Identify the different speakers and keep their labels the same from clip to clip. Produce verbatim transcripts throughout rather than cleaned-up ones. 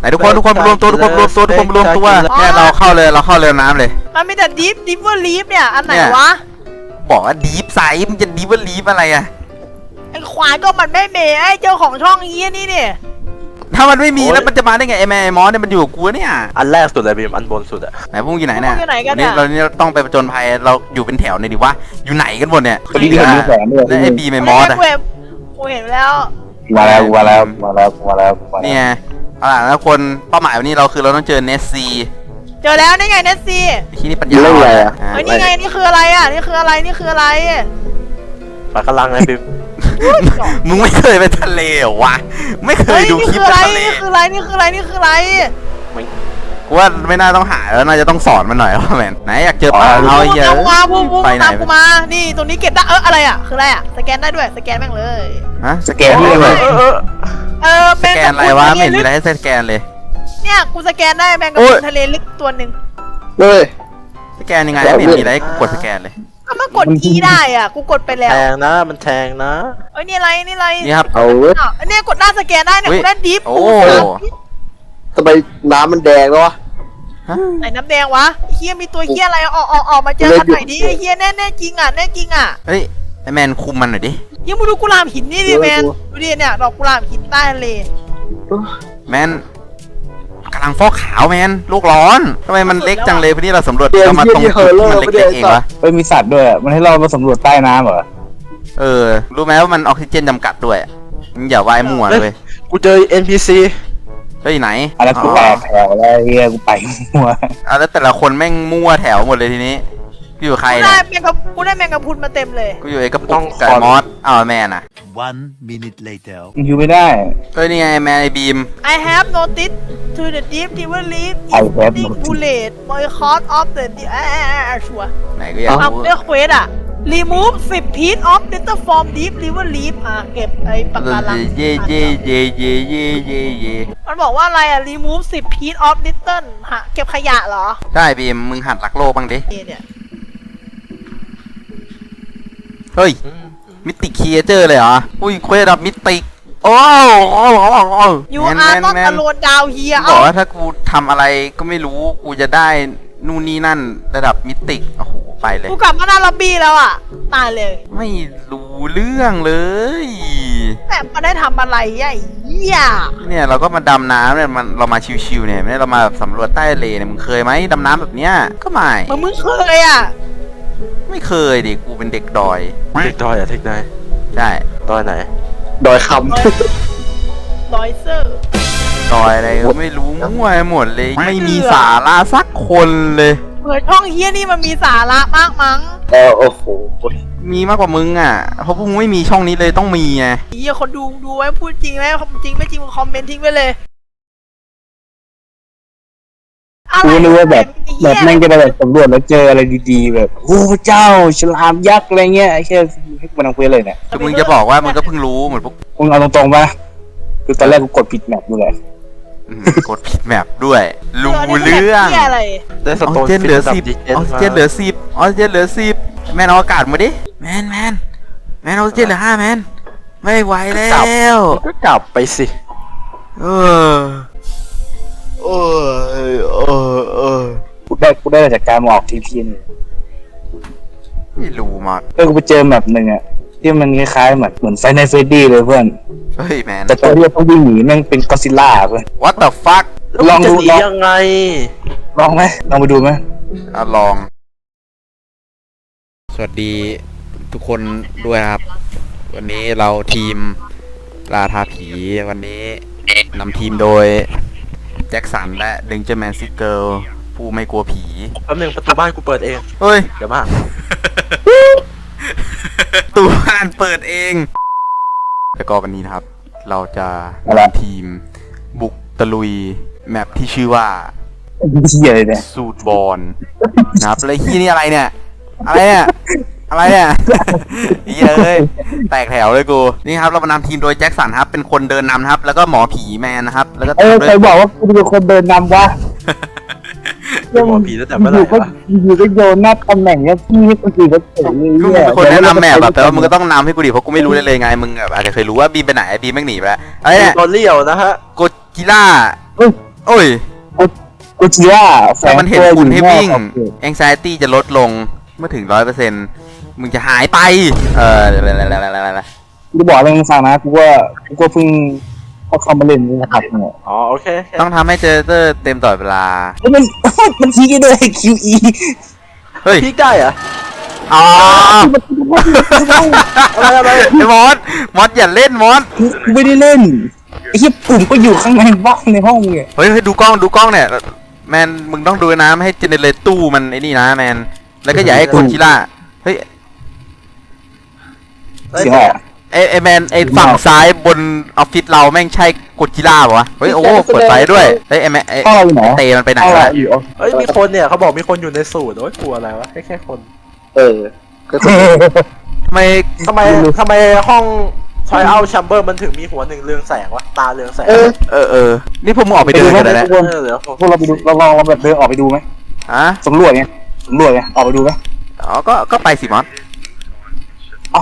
Speaker 1: นทุกคนทุกคนรวมตัวทุกคนรวมตัวทุกคนรวมตัวเนี่ยเราเข้าเลยเราเข้าเรือน้ำเลย
Speaker 2: มันมีแต่ดิฟดิฟเวอร์ลีฟเนี่ยอันไหนวะ
Speaker 1: บอกว่าดีฟไซส์มันจะดีฟว่าลีฟอะไรอะ
Speaker 2: ไอ้ควายก็มันไม่เมย์ไอ้เจ้าของช่องนี้นี่เนี่ย
Speaker 1: ถ้ามันไม่มีแล้วมันจะมาได้ไงไอ้แม่ไอ้มอสเนี่ยมันอยู่กับกูเนี่ย
Speaker 3: อันแรกสุดเลยบีมอันบนสุดอะ
Speaker 1: ไหนพวกอยู่ไหนเนี่ยนี่เราเนี่ยต้องไปประจนภัยเราอยู่เป็นแถวเนี่ยดิวะอยู่ไหนกันหมดเนี่ย
Speaker 4: คนที่เห็นมีแสงด้วย
Speaker 1: แล้วไอ้บีไอ้มอสอะ
Speaker 2: กูเห็นแล้ว
Speaker 4: มาแล้วมาแล้วมาแล้วมาแล้ว
Speaker 1: เนี่ยเอาล่ะแล้วคนเป้าหมายวันนี้เราคือเราต้องเจอเนสซี
Speaker 2: เจอแล้วนี่ไงเนสซี
Speaker 1: ที่นี่ปัญญา
Speaker 4: อะไรอ่ะ
Speaker 2: เฮ้ยนี่ไงนี่คืออะไรอ่ะนี่คืออะไรนี่คืออะไร
Speaker 3: ปลากระลังไงบีม
Speaker 1: มึงไม่เคยไปทะเลเหรอวะไม่เคยดูคลิปทะเล
Speaker 2: นี่คืออะไรนี่คืออะไรนี่คืออะไร
Speaker 1: กูว่าไม่น่าต้องหาแล้วน่าจะต้องสอนมันหน่อยว่าแมนไหนอยากเจอปลาเอาเยอะ
Speaker 2: ไปไหนกูมานี่ตรงนี้เก็บได้เอออะไรอ่ะคืออะไรอ่ะสแกนได้ด้วยสแกนแม่งเลย
Speaker 1: ฮะสแกนได้เลย
Speaker 2: เออ
Speaker 1: สแกนอะไรวะไม่เห็นมีอะไรให้สแกนเลย
Speaker 2: เนี่ยกูสแกนได้แมงกะพรุนทะเลลึกตัวหนึ่ง
Speaker 4: เลย
Speaker 1: สแกนยังไงไม่เห็นมีอะไรกดสแกนเลย
Speaker 2: ก็มันกดอีได้อ่ะกูกดไปแล้ว
Speaker 3: แทงนะมันแทงนะ
Speaker 2: เอ้ยนี่อะไรนี่อะไร
Speaker 1: นี่ครับ
Speaker 4: เอา
Speaker 2: เนี่ยกดหน้าสแกนได้เนี่ยกูได้ดิฟ
Speaker 1: โอ้
Speaker 4: ทำไมน้ำมันแดงแล้ววะ
Speaker 2: ไหนน้ำแดงวะเฮียมีตัวเฮียอะไรออกออกออกมาเจอกันหน่อยดิเฮียแน่แน่จริงอ่ะแน่จริงอ่ะ
Speaker 1: เฮ้ยไอแมนคุมมันหน่อยดิ
Speaker 2: ยังมึงดูกุหลาบหินนี่ดิแมนดูดิเนี่ยดอกกุหลาบหินใต้ทะเล
Speaker 1: แมนกำลังฟอกขาวแมนโลกร้อนทำไมมันเล็กจังเลยพอดีเราสำรวจเรามาตรงจุดที่มันเล็กๆเองวะ
Speaker 4: เฮ้ยมีสัตว์ด้วยมันให้เรามาสำรวจใต้น้ำเหรอ
Speaker 1: เออรู้ไหมว่ามันออกซิเจนจำกัดด้วยมึงอย่าว่ายมั่วเลย
Speaker 3: กูเจอ เอ็น พี ซี
Speaker 1: เฮ้ยไหน
Speaker 4: อะไรกูแตกแถวแล้วเฮียกูไปมั่ว
Speaker 1: อ่ะแล้วแต่ละคนแม่งมั่วแถวหมดเลยทีนี้กูอยู่ใครเนี่ย
Speaker 2: กูได้แมงกะกูได้แมงกะพรุนมาเต็มเลย
Speaker 1: กูอยู่ไอ้กระปุกกับมอสอ้าวแม่น่ะ
Speaker 5: one minute later
Speaker 4: อยู่ไม่ได้
Speaker 1: เฮ้ยนี่ไงแมนไอบีม
Speaker 2: I have noticed to the deep river leaf is being bullied boycott of the อ่าชัวร์
Speaker 1: ไหนก็อยากรู้
Speaker 2: ทำเรื่องเควสอะ remove สิบ piece of litter from deep river leaf อ่ะเก็บไอ้ปากกาลัง
Speaker 1: เย่เย่เย่เย่เย่เย่เย่
Speaker 2: มันบอกว่าอะไรอะ remove สิบ piece of litter ฮะเก็บขยะเหรอ
Speaker 1: ใช่บีมมึงหัดรักโลกบ้างดิ
Speaker 2: เนี่ย
Speaker 1: เฮ้ยมิติคีเจอร์เลยเหรออุ้ยเควสแบบมิติโอ้โห
Speaker 2: ยูอาร์นอตอโลนดาวเฮีย
Speaker 1: บอกว่าถ้ากูทำอะไรก็ไม่รู้กูจะได้นู่นนี่นั่นระดับมิติโอ้โหไปเลย
Speaker 2: กูกลับมาหน้าล็อบบี้แล้วอ่ะตายเลย
Speaker 1: ไม่รู้เรื่องเลย
Speaker 2: แต่มาได้ทำอะไรไอ้เหี้ย
Speaker 1: เนี่ยเราก็มาดำน้ำเนี่ยมันเรามาชิวๆเนี่ยไม่ได้เรามาสำรวจใต้ทะเลเนี่ยมึงเคยไหมดำน้ำแบบเนี้ยก็ไม่
Speaker 2: มึงเคยอ่ะ
Speaker 1: ไม่เคยดิกูเป็นเด็กดอย
Speaker 3: เด็กดอยอะเทคไน
Speaker 1: ใช่
Speaker 3: ดอยไหน
Speaker 4: ดอยค
Speaker 2: ำดอยเซอร์
Speaker 1: ดอยอะไรก็ไม่รู้มั่วหมดเลยไม่มีสาระสักคนเลย
Speaker 2: เหมือนช่องเฮียนี่มันมีสาระมากมั้ง
Speaker 4: เออโอ้โห
Speaker 1: มีมากกว่ามึงอ่ะเพราะพวกมึงไม่มีช่องนี้เลยต้องมีไง
Speaker 2: เฮียคนดูดูไว้พูดจริงไหมจริงไม่จริงมึงคอมเมนต์ทิ้งไปเลย
Speaker 4: กูนึกว่าแบบแบบแม่งจะแบบสำรวจแล้วเจออะไรดีๆแบบโอ้เจ้าฉลามยักษ์อะไรเงี้ยแค่ให้มันเอาไปเลยเนี่ย
Speaker 1: คือมึงจะบอกว่ามึงก็เพิ่งรู้เหมือนพวก
Speaker 4: มึงเอาตรงๆป่ะคือตอนแรกกูกดผิดแมปด้วย
Speaker 1: กดผิดแมปด้วยรู้เรื่อง
Speaker 3: ได้สโตน
Speaker 1: เจนเหลือสิบออกซิเจนเหลือสิบออกซิเจนเหลือสิบแมนเอาอากาศมาดิแมนแมนแมนออกซิเจนเหลือห้าแมนไม่ไหวแล้ว
Speaker 3: ก็กลับไปสิ
Speaker 1: เออเออเออเออ
Speaker 4: กูได้กูได้จากการมาออกทีพีนี่
Speaker 1: ไม่รู้มาก
Speaker 4: เออกูไปเจอแมปหนึ่งอะที่มันคล้ายๆเหมือนเหมือนไฟในเฟรดดี้เลยเพื่อน
Speaker 1: เฮ้ยแมน
Speaker 4: แต่ตัวที่ต้องวิ่งหนีแม่งเป็นก็อดซิลล่าเพื่อน
Speaker 1: What the fuck
Speaker 3: ลองดูยังไง
Speaker 4: ลองไหมลองไปดูไหม
Speaker 1: อ่ะลองสวัสดีทุกคนด้วยครับวันนี้เราทีมล่าท้าผีวันนี้นำทีมโดยแจ็คสันและเดนเจอร์แมนซิเกิลผู้ไม่กลัวผี
Speaker 3: แป๊บนึงประตูบ้านกูเปิดเอง
Speaker 1: เฮ้ย
Speaker 3: เดี๋ยวมา
Speaker 1: ประตูบ้านเปิดเองแล้วก็วันนี้นะครับเราจะนำทีมบุกตะลุยแมปที่ชื่อว่าสูตรบอลนะครับแล้วที่นี่อะไรเนี่ยอะไรเนี่ยอะไรเนี่ยเฮ้ยแตกแถวเลยกูนี่ครับเรามานำทีมโดยแจ็คสันครับเป็นคนเดินนำนะครับแล้วก็หมอผีแมนนะครับแล้วก็
Speaker 4: เออใครบอกว่ากูเป็นคนเดินนำวะ
Speaker 3: หมอผีตั้งแต่เมื่อไหร่วะ
Speaker 4: อยู่ก็โยนหน้าตำแหน่งเนี้ยพี่นี่คนอื่นก็เจ๋งเลย
Speaker 1: มึงเป็นคนแนะนำแมปแบบแต่ว่ามึงก็ต้องนำให้กูดิเพราะกูไม่รู้เลยไงมึงแบบอาจจะเคยรู้ว่าบีมไปไหนบีมแม่งหนีไปอะไรเนี่ย
Speaker 3: ตอนเลี้ยวนะฮะ
Speaker 1: โกจิล่าโอ้ย
Speaker 4: กูเชื่อแฝ
Speaker 1: ถ้าง มันเห็น
Speaker 4: ตัวอ
Speaker 1: คุณ
Speaker 4: ยู่
Speaker 1: ให้
Speaker 4: นอก
Speaker 1: วิ่ง
Speaker 4: ขอบเขต
Speaker 1: anxiety จะลดลงเมื่อถึงร้อยเปอร์เซ็นต์มึงจะหายไป เออ
Speaker 4: กูบอกอะไรมึงฟังนะกูว่ากูก็เพิ่งเอาคอมมาเล่นนี่นะครับเนี่ย
Speaker 3: อ๋อโอเคโอเค
Speaker 1: ต้องทำให้เจอเตอร์เต็มตลอดเวลา
Speaker 4: แล้วมัน มันทิ้งได้ด้วย คิว อี
Speaker 1: เฮ้ย
Speaker 3: พีกได้เหรอ
Speaker 1: อ๋อ
Speaker 3: อะไรอะไร
Speaker 1: ไอ้มอสมอสอย่าเล่นมอส
Speaker 4: กูไม่ได้เล่นไอ้ที่ปุ่มก็อยู่ข้างในบ้านในห้องเนี่ย
Speaker 1: เฮ้ยเฮ้ยดูกล้องดูกล้องเนี่ยแมนมึงต้องดูนะไม่ให้เจเนเรตตู้มันไอ้นี่นะแมนแล้วก็อย่าให้คนชิล่าเฮ้ย
Speaker 4: เสียงออก
Speaker 1: ไอไอแมนไอฝั่งซ้ายบนออฟฟิศเราแม่งใช่กดจิล่าปะวะเฮ้ยโอ้เปิดไฟด้วยเฮ้ยไอแมนไอ
Speaker 4: ห้องเราอยู่ไหน
Speaker 1: เตมันไปไหน
Speaker 4: ห้องเรา
Speaker 1: วะ
Speaker 4: อยู่
Speaker 3: เฮ้ยมีคนเนี่ยเขาบอกมีคนอยู่ในสูตรโอ้ยกลัวอะไรวะแค่แค่คน
Speaker 6: เออ
Speaker 1: ทำไม
Speaker 3: ทำไมทำไมห้องทอยเอาแชมเบอร์มันถึงมีหัวหนึ่งเรืองแสงวะตาเรืองแสง
Speaker 6: เออ
Speaker 1: เออเออนี่พวกมึงออกไปเดินกันแล้ว
Speaker 3: เออเดี๋ยว
Speaker 4: พวกเราไปดูเราลองเราแบบเดินออกไปดูไหม
Speaker 1: อ่ะ
Speaker 4: สำรวจไงสำรวจไงออกไปดูไหม
Speaker 1: อ๋อก็ก็ไปสิมอส
Speaker 4: เอ้า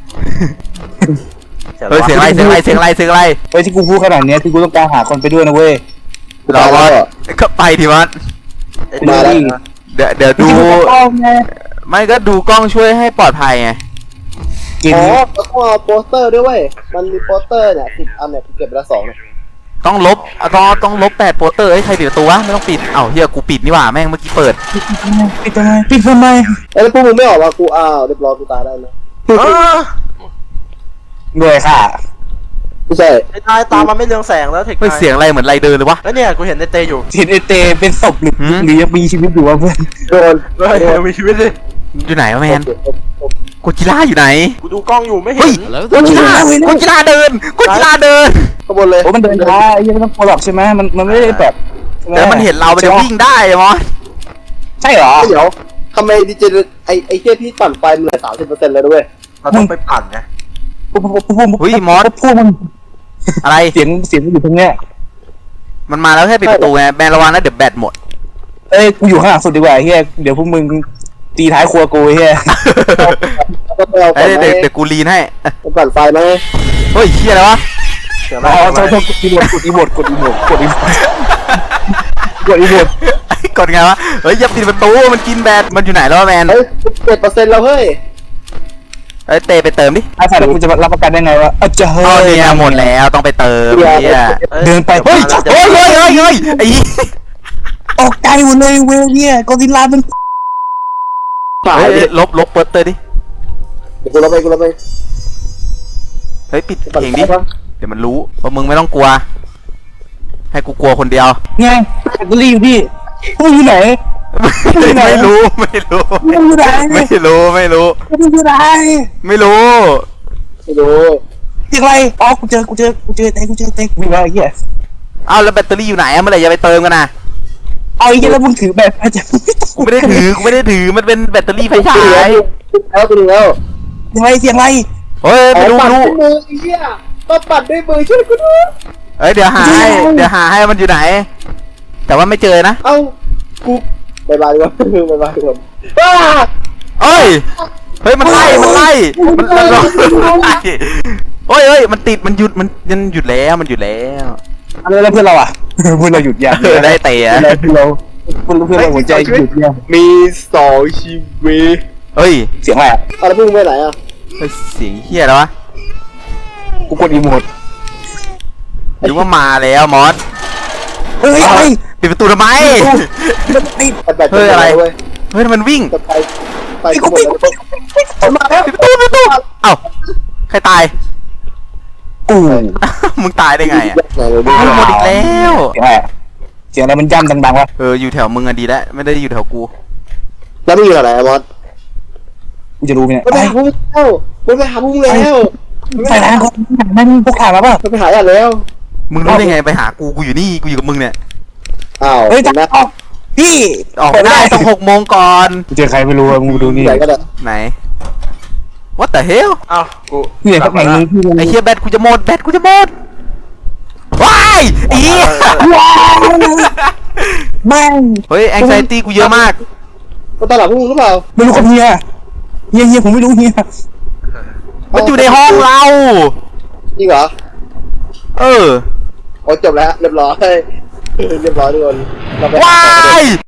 Speaker 1: เฮ้ยเสียงอะไรเสียงอะไรเสียงอะไรเสียงอะไร
Speaker 4: เฮ้ยที่กูพูดขนาดเนี้ยที่กูต้องการหาคนไปด้วยนะเว้ย
Speaker 1: เรามอสก็ไปทีมอส
Speaker 3: ไอ้
Speaker 4: มา
Speaker 3: นี่
Speaker 4: แล้ว
Speaker 1: เดี๋ยวเดี๋ยวดู ไม่ก็ดูกล้องช่วยให้ปลอดภัยไง
Speaker 4: กิน
Speaker 6: อ๋อแล้วก็เอาโปสเตอร์ด้วยเว้ย มันมีโปสเตอร์เนี่ยสิบอันเนี่ยกูเก็บไปแล้วสองเนี่ย
Speaker 1: ต้องลบอ่ะต้องต้องลบแปดโปสเตอร์เอ้ยใครปิดประตูวะไม่ต้องปิดเอ้าเฮียกูปิดนี่หว่าแม่งเมื่อกี้เปิด
Speaker 4: ปิดทำไมปิดทำไมปิดทำไม
Speaker 6: เอ้ยแล้วพวกมึงไม่ออกมากูอ้าวเรียบร้อยกูตายได้นะ
Speaker 3: เออ
Speaker 4: ด้วยค่ะ
Speaker 6: ไม่ใช่
Speaker 3: ไอ้ตายตามันไม่เรืองแสงแล้วเทค
Speaker 1: เฮ้ยเสียงอะไรเหมือนไรเดินเลยวะ
Speaker 3: แล้วเนี่ยกูเห็นในเตอยู่
Speaker 4: เห็นไอเตเป็นศพหรือ
Speaker 1: หืม
Speaker 4: หรือยังมีชีวิตอยู่วะเพื่อน
Speaker 6: โดน
Speaker 3: เฮ้ยมีชีวิตดิ
Speaker 1: อยู่ไหนวะแมนโกจิล่าอยู่ไหน
Speaker 3: กูดูกล้องอยู่ไม่เห็
Speaker 1: เฮ้ย
Speaker 3: น
Speaker 1: โกจิล่าโกจิล่าเดินโกจิล่าเดิน
Speaker 6: ข้างบนเลย
Speaker 4: โอ้มันเดินช้าไอ้เหี้ยังไม่ต้องกลัวหรอกใช่ไหมมันมันไม่ได้แบบใช่ไห
Speaker 1: แต่มันเห็นเรามันจะวิ่งได้มอส
Speaker 4: ใช่เหรอ
Speaker 6: เดี๋ยวทำไมดีเจไอไอเทียพี่ปั่นไฟมันเหลือสามสิบเปอร์เซ็นต์เลยด้วย
Speaker 3: เราต้องไปปั่นไง
Speaker 4: พวกพวกพวกพวก
Speaker 1: เฮ้ยมอส
Speaker 4: พวกมัน
Speaker 1: อะไร
Speaker 4: เสียงเสียงมันอยู่ตรงเนี้ย
Speaker 1: มันมาแล้วแค่ปิดประตูไงแมนระวังนะเดี๋ยวแบตหมด
Speaker 4: เอ้ยกูอยู่ข้างหลังสุดดีกว่าเฮียเดี๋ยวพวกมึงตีท้ายครัวกูเฮีย
Speaker 6: ก็ไปเอา
Speaker 1: เฮ้
Speaker 6: ปั่
Speaker 1: ย
Speaker 6: นไฟ
Speaker 1: เดี๋ยวเดี๋ยวกูลีนให้
Speaker 6: ปั่นไฟไหม
Speaker 1: เฮ้ยเฮียอะไรวะ
Speaker 3: เสียง
Speaker 4: อ๋อ
Speaker 3: อะไร
Speaker 4: โทษโทษกดอีโมดกดอีโมดกดอีโมดกดอีโมดกดอีโมด
Speaker 1: กดไงวะเฮ้ยอย่าปิดประตูมันกินแบตมันอยู่ไหนแล้ววะแมน
Speaker 6: เฮ้ยเจ็ดเปอร์เซ็นต์แล้วเฮ้ย
Speaker 1: เฮ้ยเตไปเติมดิ
Speaker 4: ไอ้สายแล้วกูจะรับประกันได้ไงว่าอาจจะเฮ้
Speaker 1: อ๋อย เนี่ยหมดแล้วต้องไปเติมเฮีย
Speaker 4: เดินไป
Speaker 1: เฮ้ยเฮ้ยเฮ้ยเฮ้ยเฮ้ยไอ้
Speaker 4: ตกใจหมดเลยเว้ยเนี่ยกอซิลล่ามัน
Speaker 6: ฝ่าย
Speaker 1: เฮ้ย
Speaker 6: ดิ
Speaker 1: ลบลบเปิดเตอร์ดิ
Speaker 6: เดี๋ยวกูรับไปกูรับไป
Speaker 1: เฮ้ยปิด
Speaker 6: ปั่น
Speaker 1: เพลง
Speaker 6: ไฟ
Speaker 1: ดิ
Speaker 6: ปะ
Speaker 1: เดี๋ยวมันรู้ว่ามึงไม่ต้องกลัว ให้กูกลัวคนเดียว
Speaker 4: ไงแบตเตอรี่อยู่พี่พวกมึงอยู่ไหน
Speaker 1: ไม่รู้ไม่รู้
Speaker 4: พวกมึงอยู่ไหน
Speaker 1: ไม่รู้ไม่รู้
Speaker 4: พวกมึงอยู่ไหน
Speaker 1: ไม่รู้
Speaker 6: ไม่รู้
Speaker 4: เสียงอะไรอ๋อกูเจอกูเจอกูเจอเต็กูเจอเต็กูมีอะไรเหี้ย
Speaker 1: เอาแล้วแบตเตอรี่อยู่ไหนอะเมื่อไหร่จะไปเติมกันนะ
Speaker 4: เอาไอ้เหี้ยแล้วมึงถือแบบอาจจะ
Speaker 1: กูไม่ได้ถือกูไม่ได้ถือมันเป็นแบตเตอรี่ไฟฉาย
Speaker 6: แล้วกูดูแล้ว
Speaker 4: เสียงอะไรเสียงอะไร
Speaker 1: เฮ้ยไม่รู้
Speaker 6: ปั่
Speaker 1: ไม่
Speaker 6: น
Speaker 1: รู้
Speaker 6: ด้วยมือไอ้เหี้ยก็ปั่นด้วยมือช่วยกูด้วย
Speaker 1: เอ้ยเดี๋ยวหาให้เดี๋ยวหาให้มันอยู่ไหน แต่ว่าไม่เจอนะ
Speaker 6: เอ้ากูบายบายดีกว่าบายบายดีกว่าบ้า
Speaker 1: เอ้ยเฮ้ยมันไล่มันไล่มันมันมันไล่เฮ้ยเฮ้ยมันติดมันหยุดมันมันหยุดแล้วมันหยุดแล้ว
Speaker 4: อะไรแล้วเพื่อนเราอ่ะ เพื่อนเราหยุดยัง
Speaker 1: เออได้เตะ
Speaker 4: เพื่อนเราเพื่อนเราเพื่อนเราหัวใจหยุดยัง
Speaker 6: มีสองชีวิต
Speaker 1: เฮ้ย
Speaker 4: เสียงอะไรอ่ะ
Speaker 6: เอาแล้วพวกมึงไปไหนอ่ะ
Speaker 1: เฮ้ยเสียงเฮียแล้ววะ
Speaker 4: กูกดอีโมด
Speaker 1: หรือว่ามาแล้วมอส
Speaker 4: เฮ้ยอะไร
Speaker 1: ปิดประตูทำไม
Speaker 4: มันติด
Speaker 6: ปั่นแบบ
Speaker 1: เฮ้ยอะไร
Speaker 6: เว้ย
Speaker 1: เฮ้ยมันวิ่ง
Speaker 6: จะไปไป
Speaker 4: ไอ้
Speaker 6: กู
Speaker 4: กู
Speaker 6: หมด
Speaker 4: ปิด
Speaker 6: แล้ว
Speaker 4: มาแล้ว
Speaker 1: ปิดประตูปิดประตูเอ้าใครตาย
Speaker 4: กู
Speaker 1: มึงตายได้ไงอ่ะ
Speaker 6: ไหนเลยดู
Speaker 1: มึงหมดอีกแล้ว
Speaker 4: เสียงอะไรอะเสียงอะไรมันย่ำดังๆวะ
Speaker 1: เอออยู่แถวมึงอะดีแล้วไม่ได้อยู่แถวกู
Speaker 6: แล้วมึงอยู่ไหนอะมอส
Speaker 4: กูจะรู้ไหมเนี่ย
Speaker 6: มันไปหาพวกมึงแล้วมันไปหาพวกมึงแล้ว
Speaker 4: ใส่ร้านเขานั่นพวกข่าวมาป่ะ
Speaker 6: มันไปหาอย่างแล้ว
Speaker 1: มึงรู้ได้ไงไปหากูกูอยู่นี่กูอยู่กับมึงเนี่ย
Speaker 6: อ้าว
Speaker 4: เฮ้ย
Speaker 6: เห็นไหม
Speaker 4: ออกพี่
Speaker 1: ออกไม่ได้ต้องหกโมงก่อน
Speaker 4: กูเจอใครไม่รู้อะมึงดูนี่
Speaker 6: ไหนก็ได้
Speaker 1: ไหน What the hell
Speaker 3: อ้าวกู
Speaker 4: เนี่ยเขาแข่งมึงที่มึง
Speaker 1: ไอ้เฮียแบตกูจะหมดแบตกูจะหมดว้ายอี
Speaker 4: ว้าวแม่ง
Speaker 1: เฮ้ยแองไซตี้กูเยอะมาก
Speaker 6: มันตลาดพวกมึงหรือเปล่า
Speaker 4: ไม่รู้กับเฮียเฮียเฮียผมไม่รู้เฮีย
Speaker 1: มันอยู่ในห้องเรา
Speaker 6: จริงเหรอ
Speaker 1: เออ
Speaker 6: โอ้จบแล้วเรียบร้อยเรียบร้อยทุกคนเราไป
Speaker 1: ว้าย